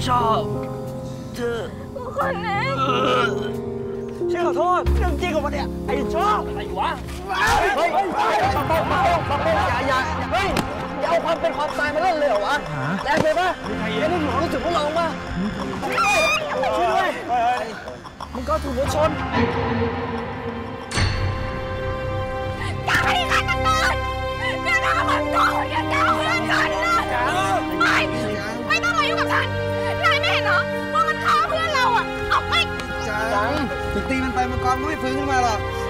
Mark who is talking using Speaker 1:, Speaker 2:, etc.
Speaker 1: ชอบเธอคนนี้ฉันขอโทษเรื่องจริงของมันเนี่ยไอ้ชอบอะไรวะเฮ้ยอย่าเฮ้ยอย่าเอาความเป็นความตายมาเล่นเลยเหรอวะแรงเลยปะไอ้นี่อยู่รู้สึกพวกเราปะช่วยด้วยมึงก็ถูกรถชนอย่าให้กันมันก่อนอย่าด่ามันก่อนอย่าด่าเพื่อนฉันนะไม่ต้องมายุ่งกับฉันนายไม่เห็นเหรอว่ามันฆ่าเพื่อนเราอ่ะเอาไปจังถึงตีมันไปมังกรก็ไม่ฟื้นขึ้นมาหรอก